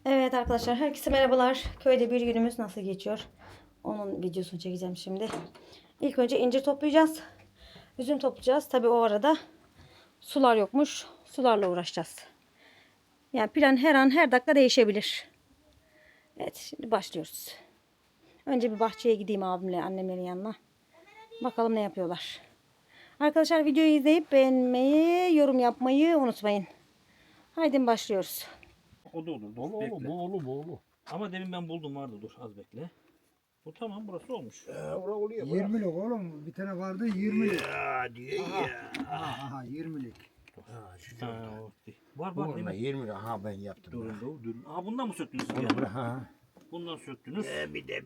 Evet arkadaşlar, herkese merhabalar. Köyde bir günümüz nasıl geçiyor? Onun videosunu çekeceğim şimdi. İlk önce incir toplayacağız. Üzüm toplayacağız. Tabii o arada sular yokmuş. Sularla uğraşacağız. Yani plan her an her dakika değişebilir. Evet, şimdi başlıyoruz. Önce bir bahçeye gideyim abimle, annemlerin yanına. Bakalım ne yapıyorlar. Arkadaşlar videoyu izleyip beğenmeyi, yorum yapmayı unutmayın. Haydi başlıyoruz. O da olur. Dolu Bekle. oğlu, bu oğlu. Ama demin ben buldum vardı, dur az bekle. Bu tamam, burası olmuş. Ora oluyor. 20'lik oğlum. Bir tane vardı 20'lik. Ya diyor ya. Aha 20'lik. Ha, Ha, o değil. Var bu değil mi? 20 ha ben yaptım. Durun. Aa, bundan mı söktünüz siz Onu ya? bırak ha. Bundan söktünüz. Bir de.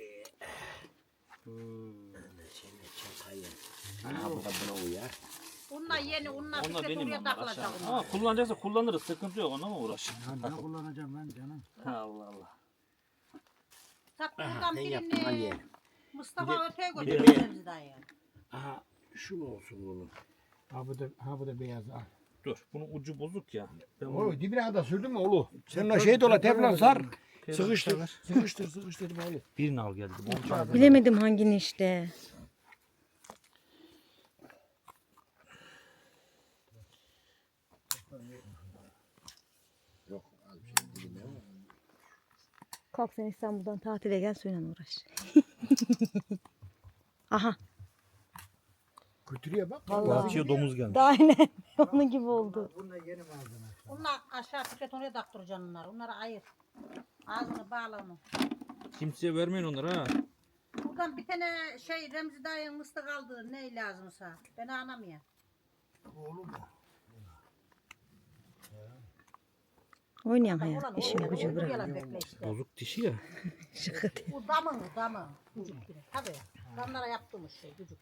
Seni çakayım. Ha bu da buna uyar. Bunlar yeni, onlar Onlar bir benim oraya onlar takılacak aşağı. onlar. Ama kullanacaksa kullanırız, sıkıntı yok, ona mı uğraşın? Ya ne kullanacağım ben canım? Allah Allah. Tak Aha, buradan ben yaptım al birini ye. Mustafa öteye bir de- götürürüz dayı. Aha şu mu olsun bunun? Ha bu da beyaz al. Dur, bunun ucu bozuk ya. Ben bunu O dibine kadar sürdün mü oğlu? Sen ona şey dola teflon sar. Teflon Sıkıştır. sar. Sıkıştır böyle. birini al geldi. Bilemedim hangini işte. Yok az bir şey dibine var. Kalk sen İstanbul'dan tatile gel, suyla uğraş. Aha. Götürüyor bak. Vallahi. Bahçeye domuz gelmiş. Daha aynen onun gibi oldu. Bunda yeni malzeme. Onlar aşağı tüket oraya taktıracaksın onları. Onları ayır. Ağzını bağla onu. Kimseye vermeyin onları ha. Buradan bir tane şey Remzi dayının mıstık aldı. Ne lazımsa. Ben anlamıyorum. Oğlum mu? Oynayan Ulan hayat, işini oğlum, gücü oğlum, bırak. yalan bekle işte. Bozuk dişi ya. Şaka değil. Bu damı. Gücük gibi. Tabii. Damlara yaptığımız şey gücük.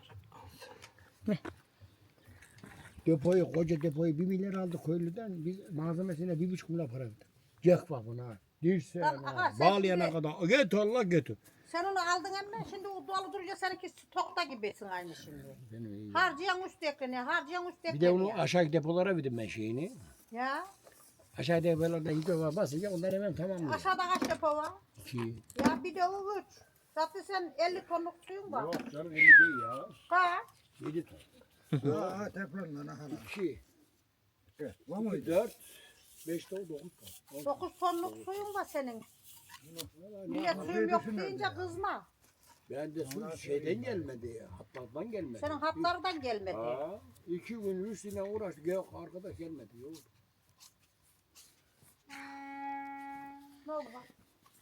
Depoyu, koca depoyu 1 milyar aldık köylüden. Biz malzemesine 1,5 milyar para verdik. Cek var buna. Dirse, Lan, aha, sen bağlayana şimdi- kadar. Götür Allah götür. Sen onu aldın ama şimdi o dolu durunca seninki stokta gibisin aynı şimdi. Benim iyi. Harcayan üst ekleniyor. Harcayan üst Bir ekleniyor. de onu aşağı depolara verdim ben şeyini. Ya. Aşağı depolarda hidrolar basınca onlar hemen tamamlıyor. Aşağıda kaç depo var? 2. Ya bir de o üç. Zaten sen 50 tonluk suyun var. Yok canım 50 değil ya. Kaç? 7 ton. Aha teflondan aha. 2. Var mı? 4. 5 ton 9 ton. 9 tonluk suyun var senin. Niye suyum yok deyince kızma. Ben de su şeyden gelmedi ya. Hatlardan gelmedi. Senin hatlardan gelmedi. Ha, 2 gün üstüne uğraştık. Yok arkadaş gelmedi. Yok. Ne oldu bak?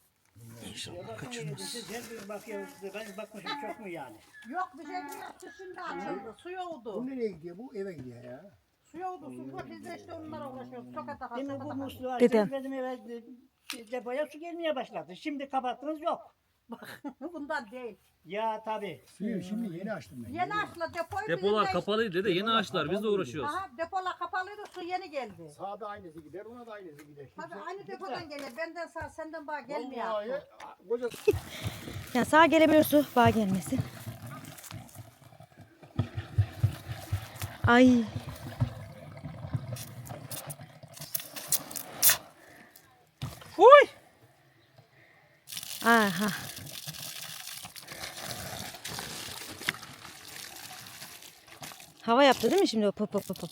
Ben bakmışım çok mu yani? Yok bir şey yok. Şimdi açıldı. Su Bu yoğdu. nereye gidiyor? Bu eve gidiyor ya. Su yoğdu. Su var. Biz de işte onlara uğraşıyoruz. Sokata Demin bu sokata. musluğu Dedem. açtım dedim eve depoya su gelmeye başladı. Şimdi kapattınız yok. Bundan değil. Ya tabii. Suyu şimdi yeni açtım ben. Yeni açla depoyu Depolar bizim de- kapalıydı da yeni açtılar, biz de uğraşıyoruz. Aha depolar kapalıydı. Su yeni geldi. Sağda aynısı gider, ona da aynısı gider. Tabii aynı depodan geliyor. Benden sağ senden bağ gelmiyor. Vallahi koca Yani sağa gelebiliyor su, bağ gelmesin. Ay. Uy! Aha. Hava yaptı değil mi şimdi o pop pop pop pop.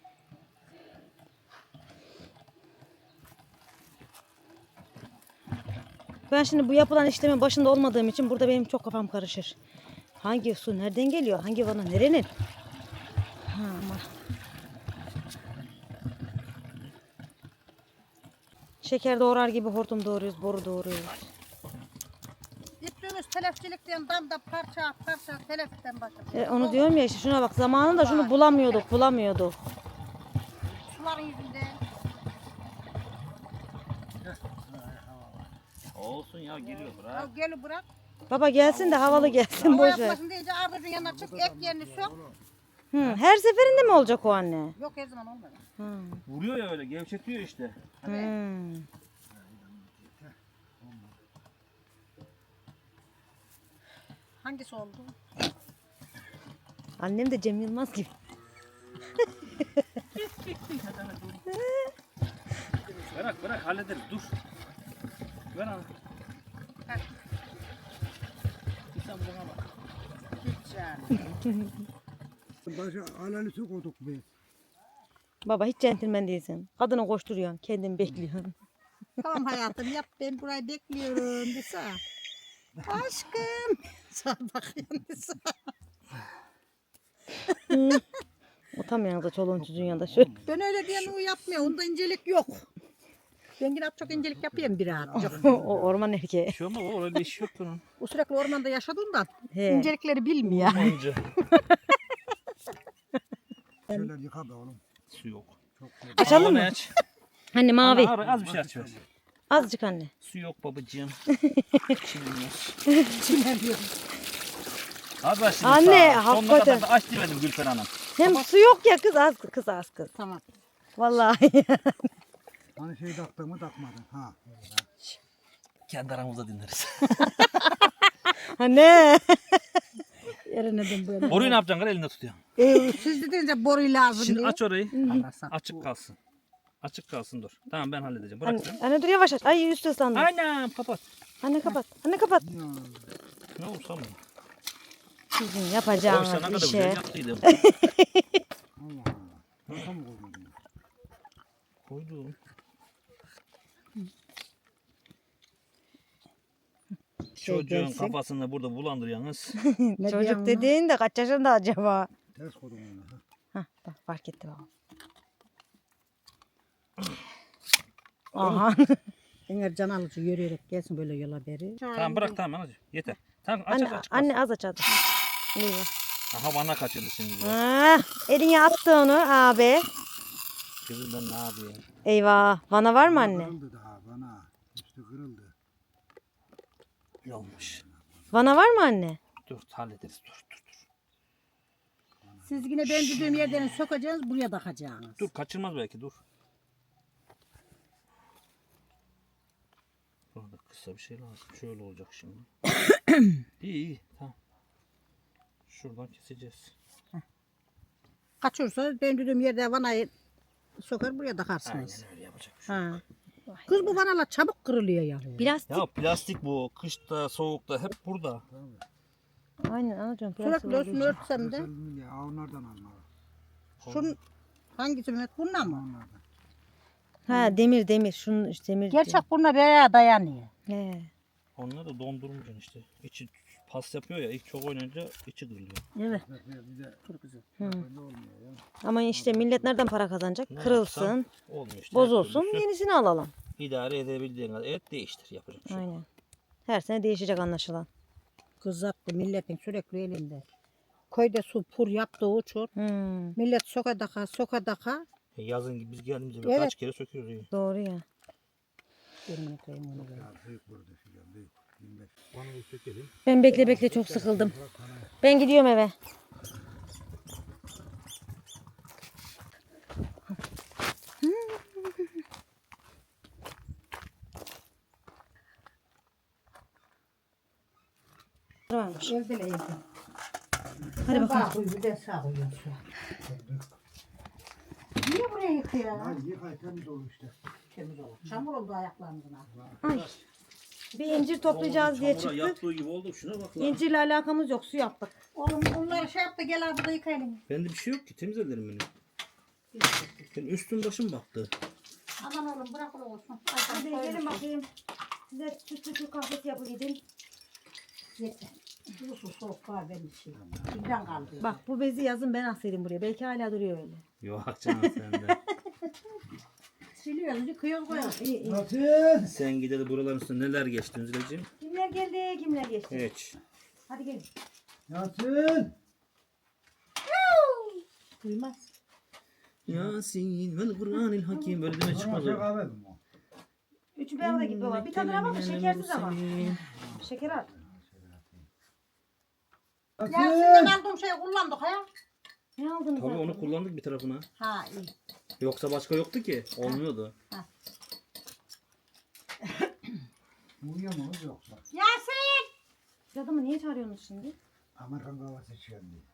Ben şimdi bu yapılan işlemin başında olmadığım için burada benim çok kafam karışır. Hangi su nereden geliyor? Hangi vana nerenin? Ha, ama. Şeker doğrar gibi hortum doğruyoruz, boru doğruyoruz. Gittiğimiz telefçilikten damda parça teleften başladı. Onu diyorum ya işte, şuna bak, zamanında şunu bulamıyorduk. Suların yüzünden. Olsun ya, geliyor Ya bırak. gel bırak. Baba gelsin de havalı gelsin, Hava boş ver. yapmasın deyince ardacın yanına çık ek yerini sök. Her seferinde mi olacak o anne? Yok her zaman olmadı. Vuruyor ya öyle, gevşetiyor işte. Hangisi oldu? Annem de Cem Yılmaz gibi. Berak Bırak hallederiz dur. Ver ana. Sen buna bak. Hiç yani. Başa alalı su koyduk biz. Baba hiç centilmen değilsin. Kadını koşturuyorsun. Kendin bekliyorsun. Tamam hayatım yap ben burayı bekliyorum Disa. Aşkım. Sağ bakıyorum Disa. Utanmıyorsun da çoluğun çocuğun yanında şöyle. Ben öyle diyen o yapmıyor. Onda incelik yok. Ben yine çok incelik yapayım birazcık. O orman erkeği. Bir şey olmaz o öyle iş yok bunun. O sürekli ormanda yaşadığından He. incelikleri bilmiyor. Olunca Şöyle yıka be oğlum. su yok. Açalım Ağlamayı mı? aç. Anne mavi. Ana, az bir şey aç ver. Azıcık anne. Su yok babacığım. Çilmiyor. Çimen diyor. Az aç şimdi Anne, sağ. Sonuna hakikaten. kadar da aç demedim Gülfer Hanım. Hem su yok ya kız az kız az kız. Tamam. Vallahi. Hani şey taktın mı takmadın. Ha. Kendi aramızda dinleriz. Anne. Yerine ben böyle. Boruyu ne yapacaksın? Kız elinde tutuyor. Siz dediniz boru lazım Şimdi diye. aç orayı. Anlarsan. Açık kalsın. Açık kalsın dur. Tamam ben halledeceğim. Bırak sen. Anne dur yavaş aç. Ay üstü ıslandı. Anam kapat. Anne kapat. Anne kapat. Ne olursa mı? Sizin Oysa ne yapacağınız kadar güzel işe. yaptıydım. Allah Allah. Nasıl mı koydun? Koydum. Çocuğun gelsin. kafasını burada bulandırıyorsunuz. Ne Çocuk diyorsun dediğin de kaç yaşında acaba? Ters koydum onu. Ha. Hah bak fark etti baba. Aha. Eğer can alıcı yürüyerek gelsin böyle yola beri. Tamam bırak tamam anacığım. Yeter. Tamam aç Anne, aç. anne az aç hadi. Eyvah. Aha bana kaçırdı şimdi. Ah, eline attı onu abi. Kızım ben ne yapayım? Eyvah. Vana var mı anne? Kırıldı daha bana. Üstü kırıldı. Ne olmuş? Vana var mı anne? Dur hallederiz dur. Siz yine ben dediğim yerden sokacaksınız buraya takacaksınız. Dur kaçırmaz belki dur. Burada kısa bir şey lazım. Şöyle olacak şimdi. iyi tamam. Şuradan keseceğiz. Kaçırsa ben dediğim yerde vanayı sokar buraya takarsınız. Aynen öyle yapacak bir şey. Ha. Kız bu vanalar çabuk kırılıyor ya. Plastik. Ya plastik bu. Kışta, soğukta hep burada. Aynen anacığım. plastik Sürekli olduğu üstünü için. örtsem de. Mesela ya onlardan alma. Şunun hangisi Mehmet? Bununla mı? Onlardan. Ha demir. Şunun işte demir. Gerçek bununla beraber dayanıyor. He. Onları da dondurmayacaksın işte. İçi pas yapıyor ya. İlk çok oynayınca içi kırılıyor. Evet. Bir de Dur kızım. Hı. böyle olmuyor ya. Ama işte millet nereden para kazanacak? Ne Kırılsın, yapsam olmuyor işte. bozulsun, Her türlüsü yenisini alalım. İdare edebildiğin kadar. Evet değiştir. Yapacak bir şey. yok. Aynen. Her sene değişecek anlaşılan. Kızarttı milletin sürekli elinde. Köyde su pur yaptığı uçur. Hmm, Millet sokadaka. Yazın gibi biz geldiğimizde Evet. kaç kere söküyoruz. Yani. doğru ya. Yemin edeyim onu böyle. Ya büyük burada filan büyük. 25. Bana bir sökelim. Ben bekle çok sıkıldım. Ben gidiyorum eve. Varmış. Evde evde. Hadi bakalım. Koy bir de sağ koyuyorum şu an. Niye buraya yıkıyor? Ya yıkay temiz olur işte. Temiz olur. Çamur oldu ayaklarımızına. Bir incir toplayacağız diye Çamura çıktık. yattığı gibi oldu. Şuna bak lan. İncirle alakamız yok. Su yaptık. Oğlum bunları şey yaptı gel abi da yıkayalım. Bende bir şey yok ki. Temiz ederim beni. Benim üstüm başım battı. Aman oğlum bırak öyle olsun. Hadi gelin bakayım. Size sütlü kahvesi yapayım. Yeter. Bu su soğuk var benim için. Birden kaldı. Bak bu bezi yazın ben asayım buraya. Belki hala duruyor öyle. Yok canım sende. Siliyoruz, yıkıyoruz, koyuyoruz. İyi iyi. Nasıl? Sen gideli buraların üstünde neler geçti Üzüleciğim? Kimler geldi kimler geçti. Hiç. Hadi gelin. Nasıl? Duymaz. Yasin vel Kur'anil Hakim. Böyle deme çıkmaz Çıkmaz o. kahve mi o? Üçü bir arada gibi baba. Bir tane daha var da şekersiz ama. Şeker al. Ya Nasıl? sizden aldığım şeyi kullandık ha. Ne aldınız? Tabii abi? onu kullandık bir tarafına. Ha iyi. Yoksa başka yoktu ki. Olmuyordu. Uyuyor mu yoksa? Yasin! Siz adamı niye çağırıyorsunuz şimdi? Amerikan kahvesi içiyorum diye.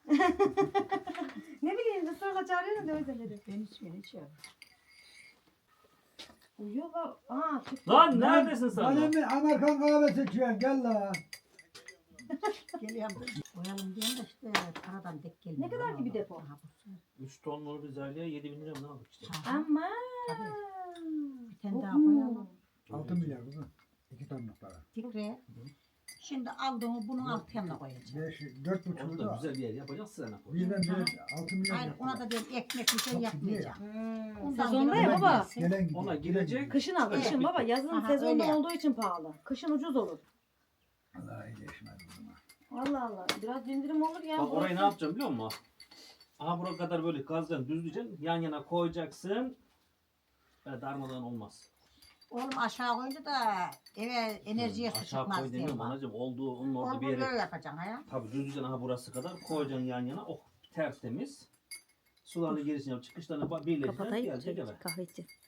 Ne bileyim de sonra çağırıyorsunuz da öyle dedi. Ben içmiyorum, içiyorum. Uyuyor bak. Aa çıktı. Lan neredesin sen? Bana lan? mı Amerikan kahvesi içiyorsun gel la. Geliyorum. Koyalım diyorum da işte paradan dek gelmiyor. Ne kadar ki bir depo? Aha, bu. 3 tonlu bir zalya 7.000 lira mı ne aldık işte? Aha, Ama. bir tane daha koyalım. 6 milyar kızım. 2 tonluk para. Tikre. Şimdi aldığımı bunun alt yanına koyacağım. 4,5 Onu da güzel bir yer yapacağız sana. Birden bir 6 milyar Hayır ona da diyorum ekmek bir şey yapmayacağım. Ondan Sezonda gelen ya baba. gelsin. Gelen gidiyor. Ona girecek. Kışın al, Evet. kışın baba. Yazın Aha, sezonda öyle. olduğu için pahalı. Kışın ucuz olur. Allah iyileşmez kızım. Allah Allah. Biraz indirim olur ya. Bak orayı ne yapacağım biliyor musun? Aha buraya kadar böyle kazacaksın, düzleyeceksin. Yan yana koyacaksın. Böyle darmadağın olmaz. Oğlum aşağı koyunca da eve enerjiye su Aşağı koy çıkmaz diye demiyorum bak. anacığım. Olduğu onun orada Onu bir böyle yere. yapacaksın ha. Tabii düzleyeceksin aha burası kadar. Koyacaksın yan yana. Oh tertemiz. Sularını gerisine yap. Çıkışlarını birleştireceksin. Kapatayım. Gelecek eve. Kahve içeceğiz.